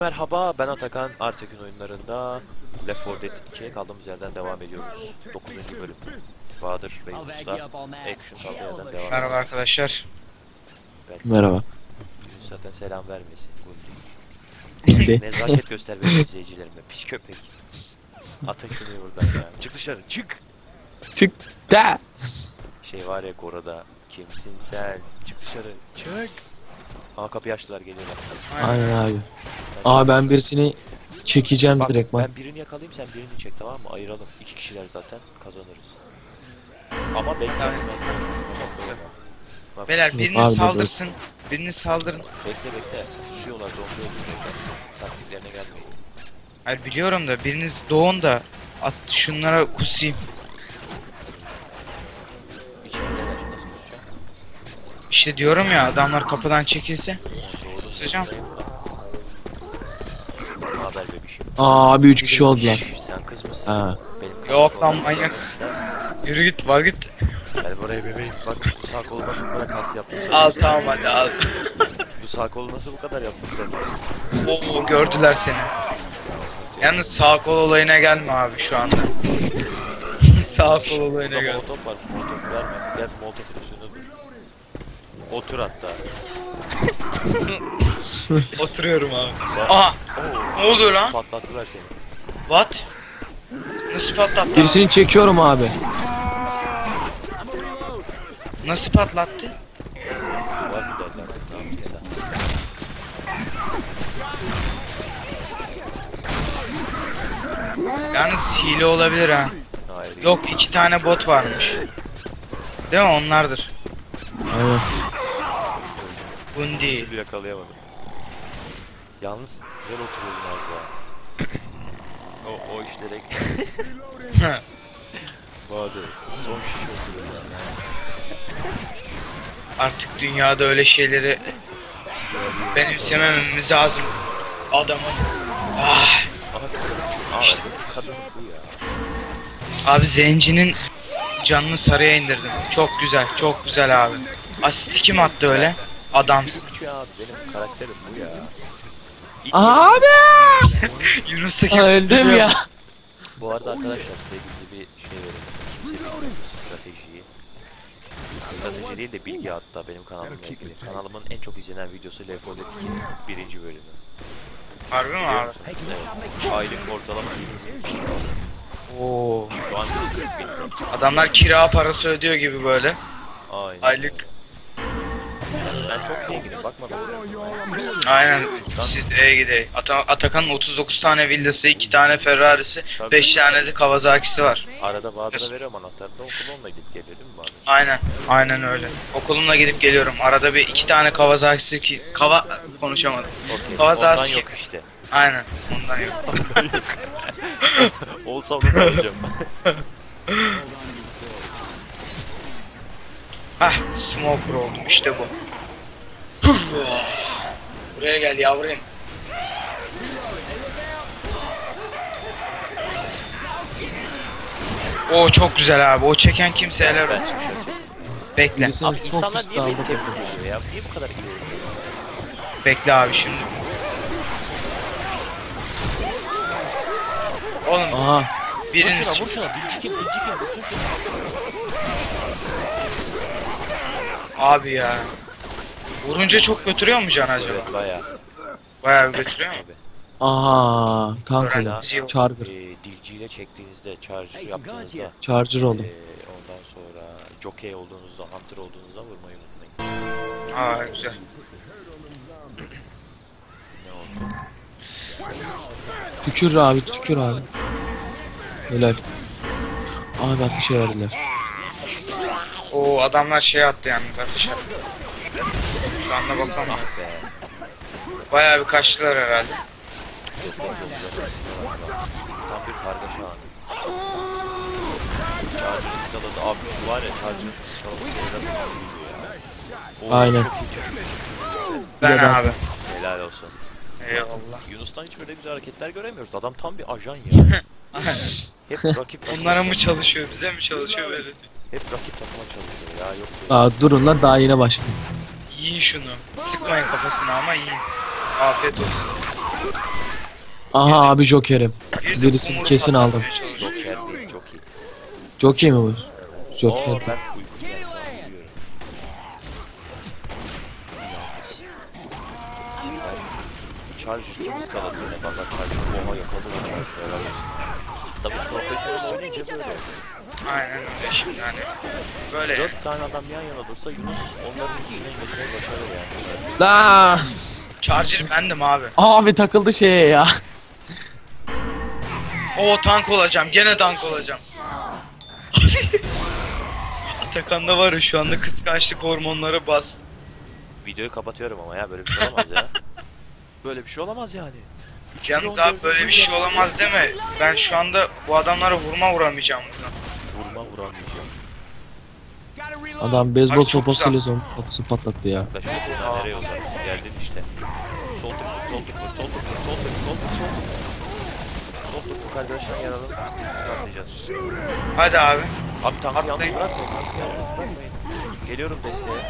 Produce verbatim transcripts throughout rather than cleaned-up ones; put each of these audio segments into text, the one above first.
Merhaba, ben Atakan. Artek'in oyunlarında Left four Dead ikiye kaldığımız yerden devam ediyoruz. dokuzuncu bölüm. Bahadır ve Yunus'ta action kaldığı yerden devam ediyoruz. Merhaba arkadaşlar. Belki Merhaba. Yunus zaten selam vermesin. Gitti. Nezaket göster benim izleyicilerime. Pis köpek. Atın şunu buradan ya. Çık dışarı, çık! Çık da. Şey var ya Gora'da. Kimsin sen? Çık dışarı, çık! Aa kapıyı açtılar, geliyorlar. Aynen abi. Aa ben birisini çekeceğim Bak, direkt bak. ben birini yakalayayım, sen birini çek, tamam mı? Ayıralım. İki kişiler zaten, kazanırız. Ama bekle. Tamam. Bak, Beyler Abi, biriniz dur. saldırsın. Biriniz saldırın. bekle bekle. Susuyorlar, zombi öldürüyorlar. Taktiklerine gelmeyin. Hayır biliyorum da biriniz doğun da at şunlara kusayım. İçerideler, nasıl kusacağım? İşte diyorum ya adamlar kapıdan çekilse. Doğru. Kusacağım. Ne haber bebişim? Aa abi üç kişi oldular. Şşş, sen kız mısın? Ha. Benim kız Yok lan olan- manyak mısın? Yürü git var git. Gel buraya bebeğim. Bak bu sağ kolu nasıl bu kadar kas yaptım sen. Al tamam hadi al. Bu sağ kolu nasıl bu kadar yaptım sen. Oo gördüler seni. Yalnız sağ kol olayına gelme abi şu anda. Sağ kol olayına Burada gel. molotof var. Molotof verme. Gel molotofun üstünde dur. Otur hatta. Oturuyorum abi. Bak. Aha Oo, ne oluyor lan? patlattılar seni. What? Nasıl patlattı? Birisini çekiyorum abi. Nasıl patlattı? Var mı derler kız, ne yaptıysa. Yalnız hile olabilir ha. Hayır. Yok iki tane bot varmış. Değil mi onlardır. Aynen. Bundi. Bir yakalayamadım. Yalnız güzel oturuyordun az daha. o, o işlere Bahadır. Son şiş oturuyorsun yani. Artık dünyada öyle şeyleri benimsemememiz lazım. Adamın. Ah. Aha kadın. Aa, İşte. kadın bu ya. Abi zencinin canını sarıya indirdim. Çok güzel, çok güzel abi. Asisti kim attı öyle? Adamsın. Üç ya abi, benim karakterim bu ya. İlk- Abi. Yunus'ta kim? Öldüm ya. Bu arada arkadaşlar size gizli bir şey verelim. Kimse bilmiyor stratejiyi. Strateji değil de bilgi, hatta benim kanalımla ilgili. Kanalımın en çok izlenen videosu Left four Dead ikinin birinci bölümü. Harbi mi Biliyor abi? musun? Evet. Aylık ortalama yirmi sekiz bin. Oo. Şu an kırk bin. Adamlar kira parası ödüyor gibi böyle. Aynen. Aylık. Ben çok zenginim, bakmadım. Aynen. Siz E'ye gidelim. Ata Atakan'ın otuz dokuz tane villası, iki tane Ferrari'si, beş tane de Kawasaki'si var. Arada Bahadır'a veriyorum anahtarını, okul onunla gidip geliyor değil mi Bahadır? Aynen. Aynen öyle. Okulumla gidip geliyorum. Arada bir iki tane Kawasaki ki Kava konuşamadım. Okey. Kawasaki. Ondan yok işte. Aynen. Ondan yok. Olsa onu soracağım. Hah, smoker oldum işte bu. Buraya gel yavrum. O çok güzel abi. O çeken kimse helal Ben olsun. çıkışa çektim. Bekle. Birisini Abi çok insanlar pis niye beni daldı. tebrik ediyor ya? Niye bu kadar iyi oynuyor? Bekle abi şimdi. Oğlum Aha. Vur biriniz şuna, vur şuna. Dilci kim, dilci kim? Vursun şuna. abi ya. Vurunca çok götürüyor mu can acaba? Evet bayağı. Bayağı bir götürüyor mu? Abi. Aha. Kanka. Öğrenci. Charger. Ee, dilciyle çektiğinizde, charger yaptığınızda, Charger ee, oldum. ondan sonra jockey olduğunuzda, hunter olduğunuzda vurmayı unutmayın. Aa güzel. Ne oldu? Tükür abi tükür abi. Helal. Abi ateş verdiler. O adamlar şey attı yalnız ateş attı. Şu anda bakalım. Ah be. Bayağı bir kaçtılar herhalde. Tam bir kargaşa anı. Charger ıskaladı. Abi şu var ya, charger ıskaladı. Aynen. Ben Bir de ben- abi. Helal olsun. Eyvallah. Yunus'tan hiç böyle güzel hareketler göremiyoruz. Adam tam bir ajan ya. Hep rakip takıma Onlara mı çalışıyor. çalışıyor, bize mi çalışıyor böyle? Hep rakip takıma çalışıyor ya. Yok böyle. Aa durun lan daha yine başladı. Yiyin şunu. Sıkmayın kafasına ama yiyin. Afiyet olsun. Aha abi Joker'im. Bir de Birisini kumru kesin aldım. patlatmaya çalışıyor. Joker değil, çok iyi. Joker mi bu? Oo, Joker. ben uykum geldi, ben uyuyorum. Yalnız. Charger kim ıskaladı yine? Valla Charger oha yakaladı lan Charger herhalde. Tabii profesyonel oynayınca böyle. Aynen öyle şimdi hani. Böyle. Dört tane adam yan yana dursa Yunus onların üstüne geçmeyi başarır yani. La. Charger bendim abi. Abi takıldı şeye ya. O tank olacağım. Gene tank olacağım. Atakan'da var ya şu anda kıskançlık hormonları bastı. Videoyu kapatıyorum ama ya, böyle bir şey olamaz ya. Böyle bir şey olamaz yani. Yalnız abi böyle bir şey olamaz deme. Ben şu anda bu adamlara vurma vuramayacağım buradan. Vurma vuramayacağım. Adam beyzbol Abi çok sopasıyla zombi kafası patlattı ya. Arkadaş sen nereye uzaksın? Geldin işte. Sol tık vur, sol tık vur, sol tık vur, sol tık vur, sol tık vur, sol tık vur. Sol tık vur arkadaşlar, yaralım. Atlayacağız. Hadi abi. Abi tankı yalnız Atlayın. bırakmayın, tankı yalnız bırakmayın. Geliyorum desteğe.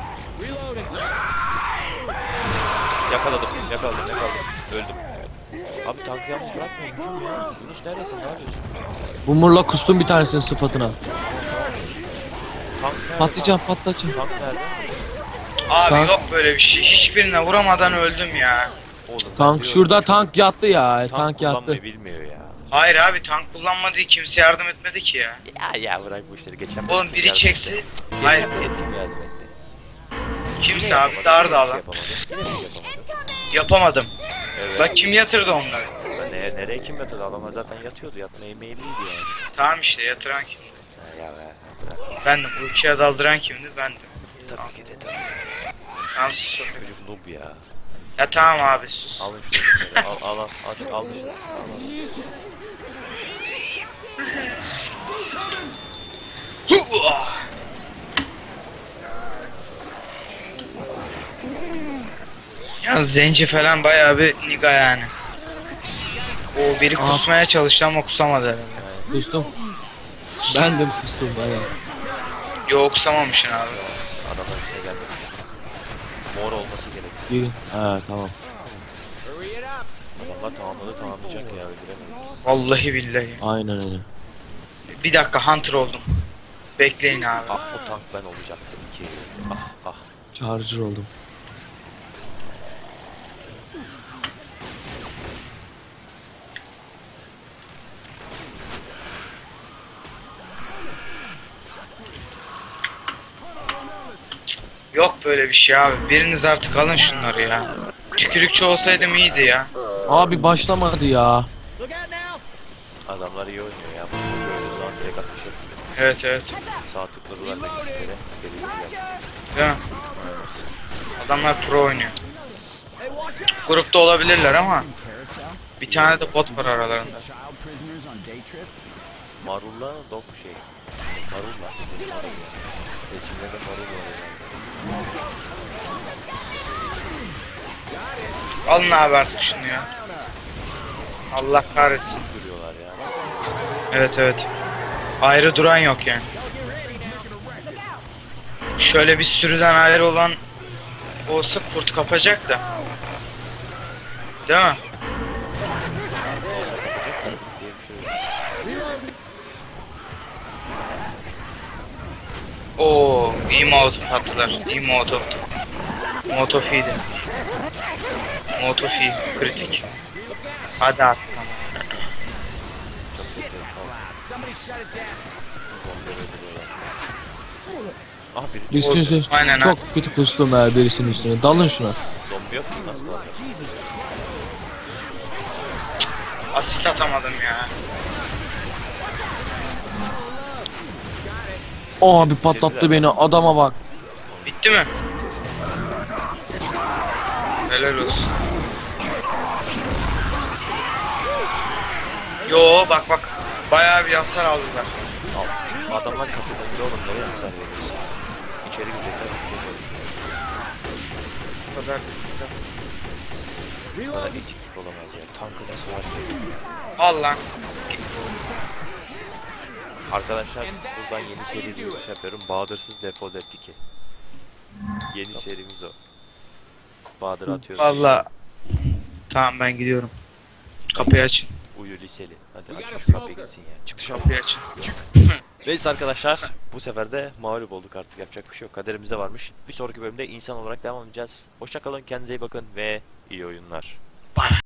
Yakaladım, yakaladım, yakaladım. Öldüm. Abi tankı yalnız bırakmayın. Hücum ya. Yunus neredesin? Ne yapıyorsun? Bumurla kustum bir tanesinin sıfatına. Tank nerede? Patlayacağım patlayacağım. Tank nerede? Abi Tank- yok böyle bir şey. Hiçbirine vuramadan öldüm ya. Oğlum, ben Tank diyorum, şurada çok- tank yattı ya. Tank, Tank yattı. kullanmayı bilmiyor ya. Hayır abi tank kullanmadı, kimse yardım etmedi ki ya. Ya ya bırak bu işleri. Geçen Oğlum bölüm biri yardım çekse. etti. Hayır Geçen bölüm kim yardım etti? kimse Yine abi yapamadı, dardı yine bir alan. şey yapamadı. Yine bir şey yapamadı. Yapamadım. Evet. La kim yatırdı onları? Lan Nereye, nereye kim yatırdı? Adamlar zaten yatıyordu. Yatmaya meyilliydi yani. Tamam işte yatıran kimdi? Ha, ya be. Bırak. Bendim. Bu ikiye daldıran kimdi? Bendim. Tabii ki de tabii. Tamam sus. Çocuk noob ya. Ya tamam abi sus. Alın şunu dışarı. Al al al. Al, al dışarı. Yalnız zenci falan bayağı bir niga yani. O biri Aa. kusmaya çalıştı ama kusamadı herhalde. Kustum. Ben de kustum baya. Yo kusamamışsın abi. Adamlar üstüne geldi. Mor olması gerek. Gelin. Ha tamam. Adamlar tamamladı, tamamlayacak ya. Öldüremedik. Vallahi billahi. Aynen öyle. Bir dakika hunter oldum. Bekleyin abi. Ah, o tank ben olacaktım ki. Ah ah. Charger oldum. Yok böyle bir şey abi. Biriniz artık alın şunları ya. Tükürükçü olsaydım iyiydi ya. Abi başlamadı ya. Adamlar iyi oynuyor ya. Bu böyle zaman direkt atış yapıyor. Evet evet. Sağ tıkladılar da iki kere. Geliyorlar. Değil mi? Adamlar pro oynuyor. Grupta olabilirler ama bir tane de bot var aralarında. Marulla dog şey. Marulla. Seçimde de marul var herhalde. Alın abi artık şunu ya. Allah kahretsin. Duruyorlar ya. Evet evet. Ayrı duran yok yani. Şöyle bir sürüden ayrı olan olsa kurt kapacak da. Değil mi? Oo, iyi molotof attılar. İyi molotoftu. Molotof iyiydi. Molotof iyi. Kritik. Hadi at. Ah biri Birisinin üstüne Aynen, çok kötü kustum ya birisinin üstüne. Dalın şuna. zombi yok mu? Nasıl var? Asit atamadım ya. O abi patlattı beni. Adama bak. Bitti mi? Helal olsun. Yo bak bak. Bayağı bir hasar aldılar. Al. Adamlar kapıda bile oğlum, nereye hasar veriyorsun? İçeri girecekler. Bu kadar. Bu kadar eksiklik olamaz ya. Tankı nasıl var? Al lan. Arkadaşlar buradan yeni seri bir giriş yapıyorum. Bahadır'sız Defol et iki. Yeni serimiz o. Bahadır atıyorum. Valla Tamam ben gidiyorum. Kapıyı açın. Uyu liseli. Hadi aç şu kapıyı gitsin ya. Çık dışarı. Kapıyı açın. Neyse arkadaşlar, bu sefer de mağlup olduk, artık yapacak bir şey yok. Kaderimizde varmış. Bir sonraki bölümde insan olarak devam edeceğiz. Hoşça kalın, kendinize iyi bakın ve iyi oyunlar.